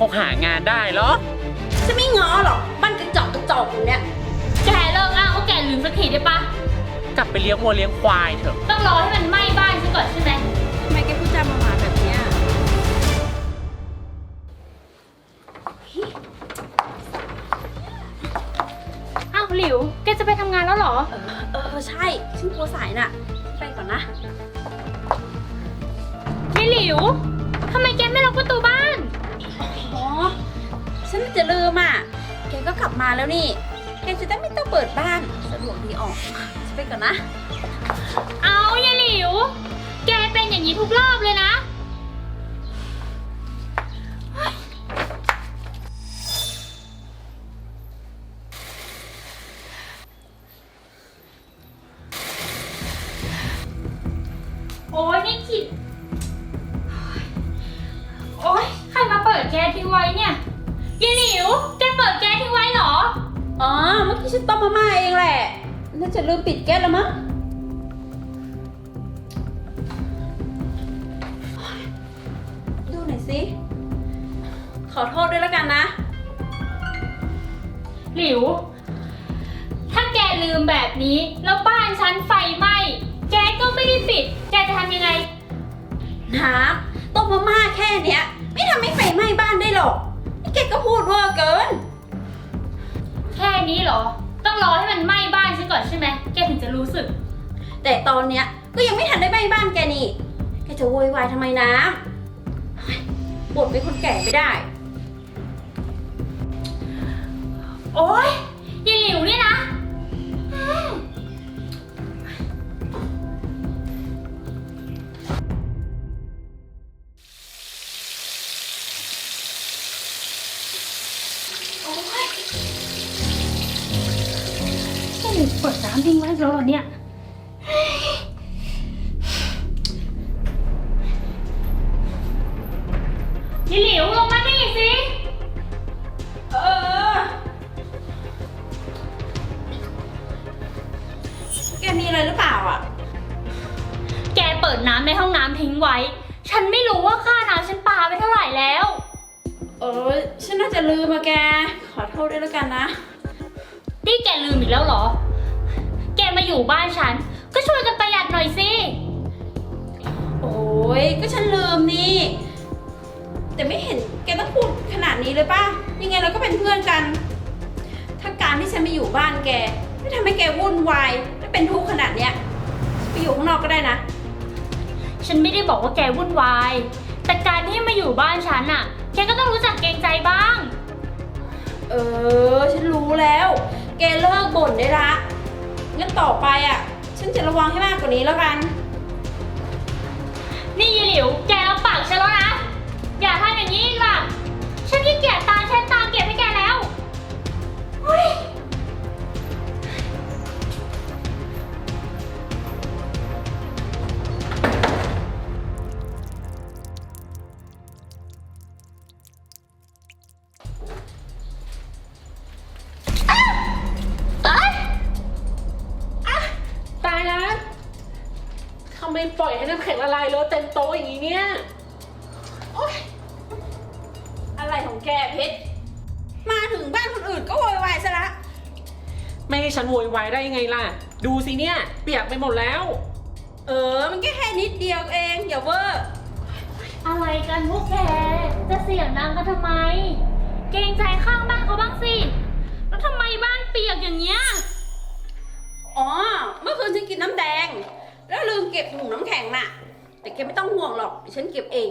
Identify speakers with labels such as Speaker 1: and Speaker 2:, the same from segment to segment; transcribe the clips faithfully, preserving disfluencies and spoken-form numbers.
Speaker 1: คงหางานได้เหรอ
Speaker 2: จะไม่ง้อหรอกบ้านกระจอกกระจอกอย่างเนี้ย
Speaker 3: แกเลิกอ้างว่าแกลืมสักทีได้ปะ
Speaker 1: กลับไปเลี้ยงวัวเลี้ยงควายเถอะ
Speaker 3: ต้องรอให้มันไหม้บ้านซะก่อนใช่ไหม
Speaker 2: ทำไมแกพูดจามาหมาแบบเนี้ย
Speaker 3: อ้าวหลิวแกจะไปทำงานแล้วเหรอ
Speaker 2: เออเออใช่ฉันกลัวสายน่ะไปก่อนนะ
Speaker 3: ยายหลิวทำไมแกไม่ล็อกประตูบ้าน
Speaker 2: อ๋อฉันจะลืมอ่ะแกก็กลับมาแล้วนี่แกจะได้ไม่ต้องเปิดบ้านสะดวกดีออกฉันไปก่อนนะ
Speaker 3: เอายายหลิวแกเป็นอย่างนี้ทุกรอบเลยนะโอ้ยนี่ขิดโอ้ยใครมาเปิดแก๊สทิ้งไว้เนี่ยยายหลิวแกเปิดแก๊สทิ้งไว้เหรอ
Speaker 2: อ๋อเมื่อกี้ฉันต้มมาม่าเองแหละน่าจะลืมปิดแก๊สแล้วมั้งดูหน่อยสิขอโทษด้วยแล้วกันนะ
Speaker 3: หลิวถ้าแกลืมแบบนี้แล้วบ้านฉันไฟไหม้แกก็ไม่ได้ปิดแกจะทำยังไง
Speaker 2: น้ำต้มมาม่าแค่เนี้ยไม่ทำให้ไฟไหม้บ้านได้หรอกนี่แกก็พูดเวอร์เกิน
Speaker 3: แค่นี้เหรอต้องรอให้มันไหม้บ้านฉันก่อนใช่ไหมแกถึงจะรู้สึก
Speaker 2: แต่ตอนเนี้ยก็ยังไม่ทันได้ไหม้บ้านแกนี่แกจะโวยวายทำไมน้ำบ่นเป็นคนแก่ไม่ได้
Speaker 3: โอ๊ยยายหลิวเนี่ยนะเปิดน้ำทิ้งไว้แล้วเหรอเนี่ยยายหลิวลงมานี่สิ
Speaker 2: เออแกมีอะไรหรือเปล่าอ่ะ
Speaker 3: แกเปิดน้ำในห้องน้ำทิ้งไว้ฉันไม่รู้ว่าค่าน้ำฉันปาไปเท่าไหร่แล้ว
Speaker 2: เออฉันน่าจะลืมอะแกขอโทษด้วยแล้วกันนะ
Speaker 3: นี่แกลืมอีกแล้วเหรอแกมาอยู่บ้านฉันก็ช่วยกันประหยัดหน่อยสิ
Speaker 2: โอ้ยก็ฉันลืมนี่แต่ไม่เห็นแกต้องพูดขนาดนี้เลยป่ะยังไงเราก็เป็นเพื่อนกันถ้าการที่ฉันมาอยู่บ้านแกไม่ทำให้แกวุ่นวายและเป็นทุกข์ขนาดเนี้ยไปอยู่ข้างนอกก็ได้นะ
Speaker 3: ฉันไม่ได้บอกว่าแกวุ่นวายแต่การที่มาอยู่บ้านฉันอะแกก็ต้องรู้จักเกรงใจบ้าง
Speaker 2: เออฉันรู้แล้วแกเลิกบ่นได้ละงั้นต่อไปอ่ะฉันจะระวังให้มากกว่านี้แล้วกัน
Speaker 3: นี่ยายหลิวแกรับปากฉันแล้วนะอย่าทำอย่างนี้อีกล่ะฉันขี้เกียจตามฉันตามเก็บให้แกแล้วเฮ้ย
Speaker 1: ทำไมปล่อยให้น้ำแข็งละลายเลอะเต็มโต๊ะอย่างนี้เนี่ย
Speaker 2: โอ๊ยอะไรของแกเพชรมาถึงบ้านคนอื่นก็โวยวายซะละ
Speaker 1: ไม่ให้ฉันโวยวายได้ยังไงล่ะดูสิเนี่ยเปียกไปหมดแล้ว
Speaker 2: เออมันแค่แค่นิดเดียวเองอย่าเวอร์
Speaker 3: อะไรกันพวกแกจะเสียงดังกันทำไมเกรงใจข้างบ้านเขาบ้างสิแล้วทำไมบ้านเปียกอย่างเงี้ย
Speaker 2: อ๋อเมื่อคืนฉันกินน้ำแดงแล้วลืมเก็บถุงน้ำแข็งน่ะแต่แกไม่ต้องห่วงหรอกฉันเก็บเอง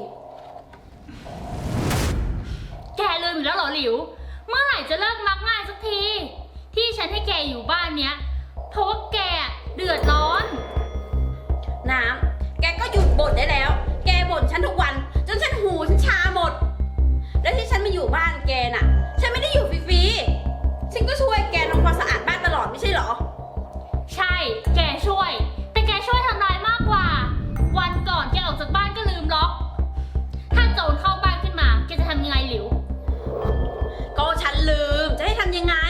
Speaker 3: แกลืมอยู่แล้วเหรอหลิวเมื่อไหร่จะเลิกมักง่ายสักทีที่ฉันให้แกอยู่บ้านเนี้ยเพราะว่าแกเดือดร้อน
Speaker 2: น้ำแกก็หยุดบ่นได้แล้วแกบ่นฉันทุกวันจนฉันหูฉันชาหมดแล้วที่ฉันมาอยู่บ้านแกน่ะฉันไม่ได้อยู่ฟรีๆฉันก็ช่วยแกทำความสะอาดบ้านตลอดไม่ใช่เหรอ
Speaker 3: ใช่แกช่วยแต่แกช่วยทำลายมากกว่าวันก่อนแกออกจากบ้านก็ลืมล็อกถ้าโจรเข้าบ้านขึ้นมาแกจะทำยังไงหลิว
Speaker 2: ก็ฉันลืมจะให้ทำยังไง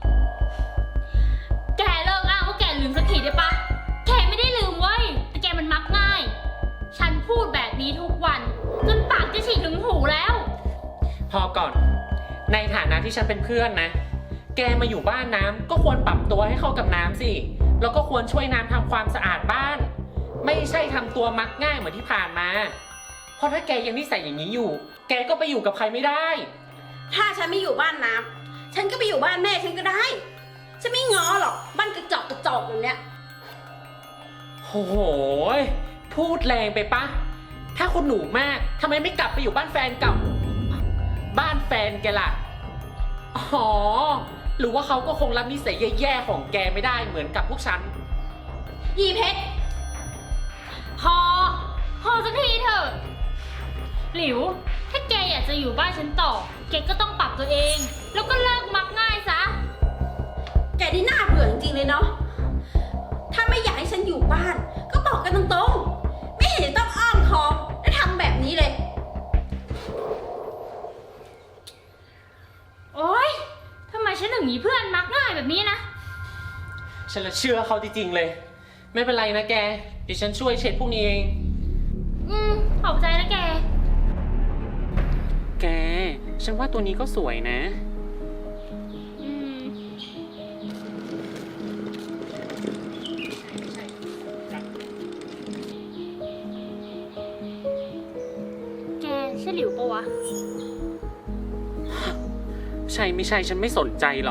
Speaker 3: แกเลิกอ้างว่าแกลืมสักทีได้ปะแกไม่ได้ลืมเว้ยแต่แกมันมักง่ายฉันพูดแบบนี้ทุกวันจนปากจะฉีกถึงหูแล้ว
Speaker 1: พอก่อน ในฐานะที่ฉันเป็นเพื่อนนะ แกมาอยู่บ้านน้ำก็ควรปรับตัวให้เข้ากับน้ำสิ แล้วก็ควรช่วยน้ำทำความสะอาดบ้าน ไม่ใช่ทำตัวมักง่ายเหมือนที่ผ่านมา เพราะถ้าแกยังนิสัยอย่างนี้อยู่ แกก็ไปอยู่กับใครไม่ได้
Speaker 2: ถ้าฉันไม่อยู่บ้านน้ำฉันก็ไปอยู่บ้านแม่ฉันก็ได้ ฉันไม่ง้อหรอกบ้านกระจอกกระจอกแบบเนี้ย
Speaker 1: โอ้โห พูดแรงไปปะ ถ้าคุณหนูมากทำไมไม่กลับไปอยู่บ้านแฟนเก่า บ้านแฟนแกล่ะ อ๋อ หรือว่าเขาก็คงรับนิสัยแย่ๆของแกไม่ได้เหมือนกับพวกฉัน
Speaker 2: ยีเพชร
Speaker 3: พอ พอสักทีเถอะ หลิว ถ้าแกอยากจะอยู่บ้านฉันต่อ แกก็ต้องปรับตัวเอง แล้วก็เลิกมักง่ายซะ
Speaker 2: แกนี่น่าเบื่อจริงๆเลยเนาะ ถ้าไม่อยากให้ฉันอยู่บ้าน ก็บอกกันตรงๆ ไม่เห็นจะต้องอ้อมค้อมและทำแบบนี้เลย
Speaker 3: โอ๊ยทำไมฉันถึงมีเพื่อนมักง่ายแบบนี้นะ
Speaker 1: ฉันละเชื่อเขาจริงๆเลย ไม่เป็นไรนะแก เดี๋ยวฉันช่วยเช็ดพวกนี้เอง
Speaker 3: อืม ขอบใจนะแก
Speaker 1: แก ฉันว่าตัวนี้ก็สวยนะ
Speaker 3: อืม แกใช่หลิวปะวะ
Speaker 1: ใช่ไม่ใช่ฉันไม่สนใจหรอก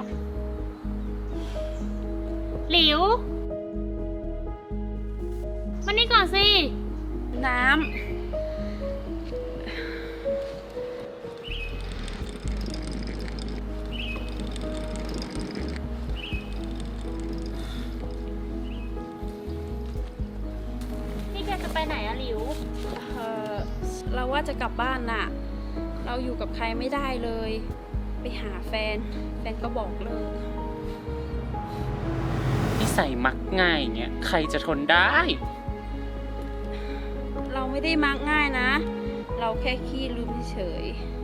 Speaker 3: หลิวมานี่ก่อนสิ
Speaker 2: น้ำ
Speaker 3: นี่แกจะไปไหนอะหลิว
Speaker 2: เออเราว่าจะกลับบ้านน่ะ เราอยู่กับใครไม่ได้เลย ไปหาแฟน แฟนก็บอกเลิก
Speaker 1: นิสัยมักง่ายอย่างเงี้ยใครจะทนได้
Speaker 2: เราไม่ได้มักง่ายนะ เราแค่ขี้ลืมเฉย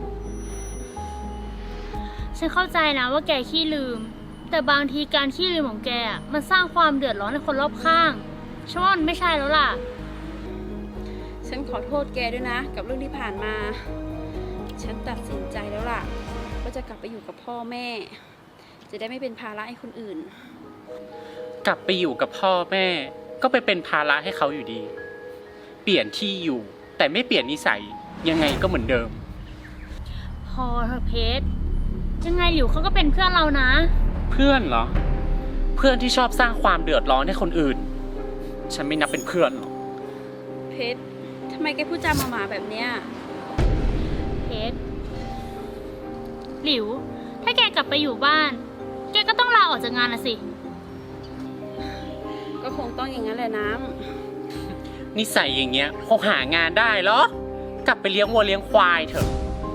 Speaker 3: ฉันเข้าใจนะว่าแกขี้ลืม แต่บางทีการขี้ลืมของแกอะมันสร้างความเดือดร้อนให้คนรอบข้างฉันว่ามันไม่ใช่แล้วล่ะ
Speaker 2: ฉันขอโทษแกด้วยนะ กับเรื่องที่ผ่านมา ฉันตัดสินใจแล้วล่ะว่าจะกลับไปอยู่กับพ่อแม่ จะได้ไม่เป็นภาระให้คนอื่น
Speaker 1: กลับไปอยู่กับพ่อแม่ ก็ไปเป็นภาระให้เขาอยู่ดี เปลี่ยนที่อยู่ แต่ไม่เปลี่ยนนิสัยยังไงก็เหมือนเดิม
Speaker 3: พอเธอะเพชรยังไงหลิวเขาก็เป็นเพื่อนเรานะ
Speaker 1: เพื่อนเหรอ เพื่อนที่ชอบสร้างความเดือดร้อนให้คนอื่น ฉันไม่นับเป็นเพื่อนหรอก
Speaker 2: เพชรทำไมแกพูดจาหมาๆแบบเนี้ย
Speaker 3: เพชรหลิว ถ้าแกกลับไปอยู่บ้าน แกก็ต้องลาออกจากงานละสิ
Speaker 2: ก็คงต้องอย่างนั้นแหละน้
Speaker 1: นิสัยอย่างเงี้ยคงหางานได้เหรอ กลับไปเลี้ยงวัวเลี้ยงควายเถอะ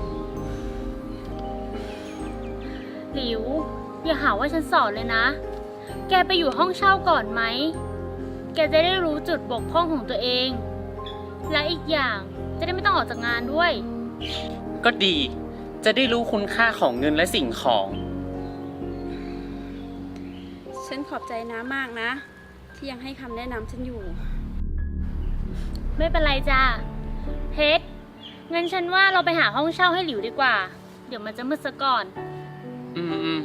Speaker 3: หลิว อย่าหาว่าฉันสอนเลยนะ แกไปอยู่ห้องเช่าก่อนไหม แกจะได้รู้จุดบกพร่องของตัวเอง และอีกอย่างจะได้ไม่ต้องออกจากงานด้วย
Speaker 1: ก็ดี จะได้รู้คุณค่าของเงินและสิ่งของ
Speaker 2: ำฉันขอบใจน้ามากนะ ที่ยังให้คำแนะนำฉันอยู่
Speaker 3: ไม่เป็นไรจ้าเพชรงั้นฉันว่าเราไปหาห้องเช่าให้หลิวดีกว่า เดี๋ยวมันจะมืดซะก่อน
Speaker 1: อืมอืม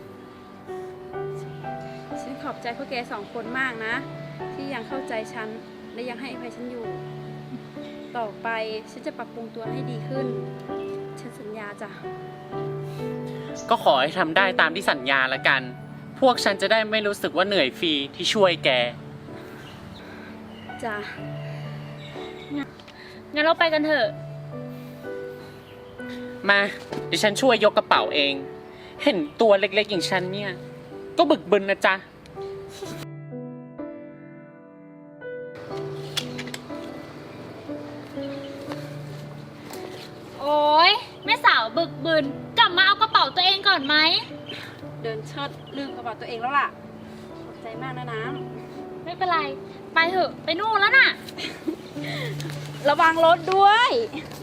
Speaker 2: ฉันขอบใจพวกแกสองคนมากนะ ที่ยังเข้าใจฉันและยังให้อภัยฉันอยู่ ต่อไปฉันจะปรับปรุงตัวให้ดีขึ้น ฉันสัญญาจ้ะ
Speaker 1: ก็ขอให้ทำได้ตามที่สัญญาละกัน พวกฉันจะได้ไม่รู้สึกว่าเหนื่อยฟรีที่ช่วยแก
Speaker 2: จ้ะ
Speaker 3: งั้นเราไปกันเถอะ
Speaker 1: มาเดี๋ยวฉันช่วยยกกระเป๋าเอง เห็นตัวเล็กๆอย่างฉันเนี่ย ก็บึกบึนนะจ๊ะ
Speaker 3: โอ๊ยแม่สาวบึกบึน กลับมาเอากระเป๋าตัวเองก่อนไหม
Speaker 2: เดินเชิดลืมกระเป๋าตัวเองแล้วล่ะ ขอบใจมากนะน้
Speaker 3: ไม่เป็นไร ไปเถอะ ไปนู่นแล้วน่ะ
Speaker 2: ำ ระวังรถด้วย